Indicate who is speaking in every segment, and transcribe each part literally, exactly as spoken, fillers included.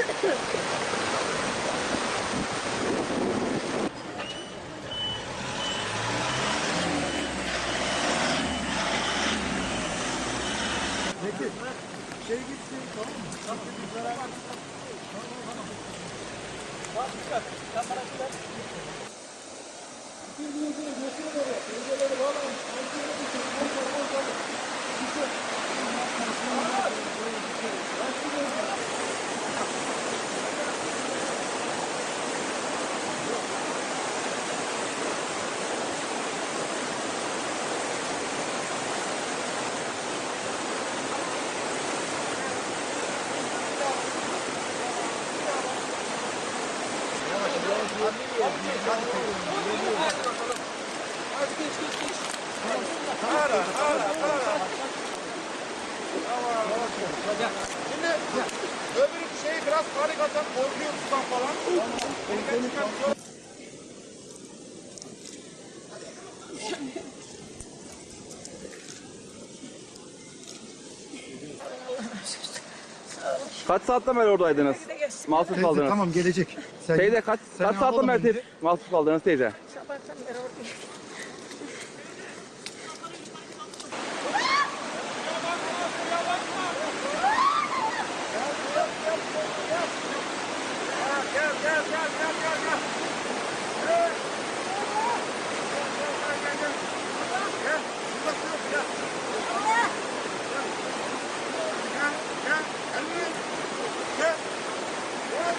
Speaker 1: Peki, şey gitsin, tamam mı? Tamam, tamam. Tamam, tamam. Çıkar, sen bana çıkar. Bir gün önce götürün oraya, önceleri bağlayın. Önceleri düşün, bol bol bol bol. Düşün. Hadi geç geç geç. Ara ara ara. Tamam. Şimdi öbür şeyi biraz karikatan korkuyor sudan falan. Tamam.
Speaker 2: Kaç saatten beri oradaydınız? Mahsur
Speaker 1: Teyze,
Speaker 2: kaldınız.
Speaker 1: tamam gelecek. Sen,
Speaker 2: Teyze kaç, kaç saatten beri te- mahsur kaldınız teyze?
Speaker 3: Sabahtan beri oradayım.
Speaker 4: Gel gel gel gel gel gel. Gel. Gel gel gel. Gel. Burada dur gel. Gel. Gel. Gel. Elini. Gel. Gel.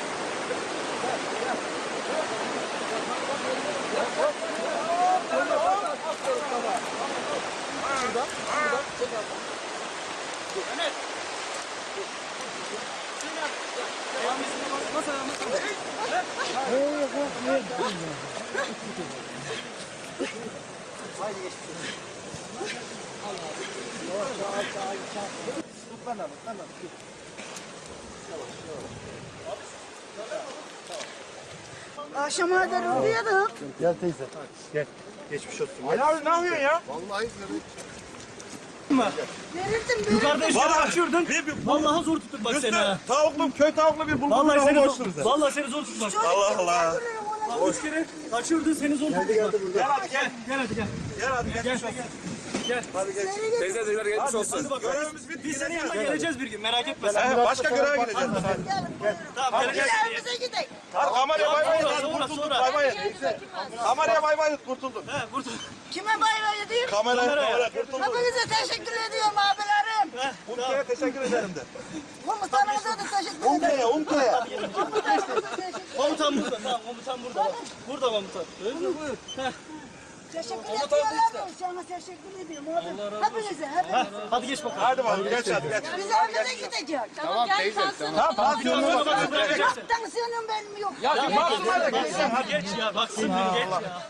Speaker 3: Akşama kadar uyuyorduk.
Speaker 1: Gel teyze. Gel. Geçmiş olsun.
Speaker 4: Ali abi ne yapıyorsun ya?
Speaker 1: Vallahi
Speaker 3: Verirdim ben.
Speaker 5: Yukarıda işte açıyordun. Vallahi zor tuttuk bak seni ha.
Speaker 4: Tavuklu, köy tavuklu bir bulgur
Speaker 5: Vallahi seni
Speaker 4: boşluğuz.
Speaker 5: zor, vallahi seni zor tuttuk bak.
Speaker 4: Allah Allah.
Speaker 5: Bak üç kere kaçırdın seni zor tuttuk bak. Gel hadi gel. Gel hadi gel.
Speaker 4: Gel hadi geçmiş olsun.
Speaker 5: Gel.
Speaker 2: Teyze teyze geçmiş olsun.
Speaker 5: Hadi bak.
Speaker 4: Görevimiz bitti.
Speaker 5: Biz senin yanına geleceğiz bir gün merak etme sen.
Speaker 4: He, başka göreve gideceğiz.
Speaker 5: Tamam geleceğiz.
Speaker 3: Evimize gidelim.
Speaker 4: Hadi kameraya bay bay.
Speaker 5: Sonra,
Speaker 4: Hadi
Speaker 5: sonra,
Speaker 4: kurtulduk
Speaker 5: sonra.
Speaker 4: bay bay. Kameraya bay bay kurtulduk.
Speaker 5: He kurtul.
Speaker 3: Kime bay bay edeyim?
Speaker 4: Kameraya
Speaker 5: Kameraya.
Speaker 4: kameraya kurtulduk.
Speaker 3: Hepinize teşekkür ediyorum abilerim.
Speaker 4: Umke'ye teşekkür ederim de.
Speaker 3: Komutanımıza da teşekkür ederim.
Speaker 4: Umke'ye, Umke'ye.
Speaker 5: Komutan burada. Tamam komutan burada bak. Burada komutan. Öyle mi? Buyur. Heh.
Speaker 3: Teşekkür ediyorum. Sana teşekkür ediyorum abi. Hepinize, hepinize.
Speaker 5: Hadi geç bakalım.
Speaker 4: Hadi bakalım geç hadi geç.
Speaker 3: Biz evimize gideceğiz.
Speaker 6: Tamam gel kalsın.
Speaker 4: Tamam tansiyonuna
Speaker 5: Tamam,
Speaker 4: bakalım.
Speaker 5: tamam, bırakacağız.
Speaker 3: Yok tansiyonum benim yok.
Speaker 4: Ya
Speaker 5: Bak,
Speaker 4: mahsuma da
Speaker 5: bak,
Speaker 4: geç.
Speaker 5: sen geç ya. Bak sen geç ya.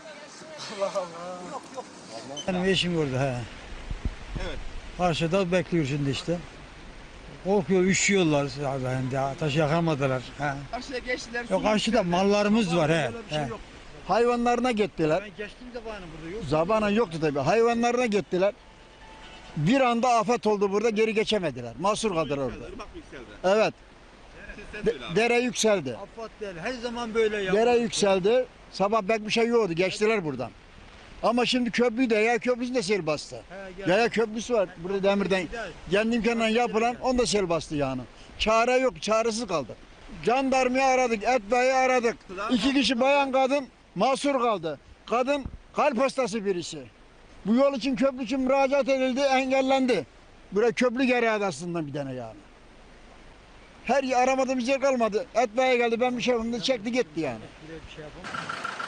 Speaker 7: Benim eşim orada he.
Speaker 4: Evet.
Speaker 7: Karşıda bekliyor şimdi işte. Korkuyor, üşüyorlar abi hem de ateş yakamadılar. He.
Speaker 6: Karşıya geçtiler.
Speaker 7: Yok karşıda mallarımız var he. he.
Speaker 8: Hayvanlarına gittiler.
Speaker 7: Ben geçtim zamanı burada yok.
Speaker 8: Zamanın yoktu tabii. Hayvanlarına gittiler. Bir anda afet oldu burada, geri geçemediler. Mahsur kaldılar orada. Evet. De- dere yükseldi.
Speaker 7: Afat değil. Her zaman böyle ya.
Speaker 8: Dere yükseldi. Sabah pek bir şey yoktu. Geçtiler buradan. Ama şimdi köprü de, Yaya Köprüsü de sel bastı.
Speaker 7: He, gel.
Speaker 8: Yaya Köprüsü var burada demirden. Kendi imkanla yapılan, on da sel bastı yani. Çare yok, çaresiz kaldık. Jandarmayı aradık, etbeyi aradık. İki kişi bayan kadın mahsur kaldı. Kadın kalp hastası birisi. Bu yol için, köprü için müracaat edildi, engellendi. Buraya köprü gereği aslında bir tane yani. Her yer aramadığımız yer kalmadı. Etbeyi geldi, ben bir şey yapayım dedi, çekti gitti yani.
Speaker 7: Bir şey yapalım.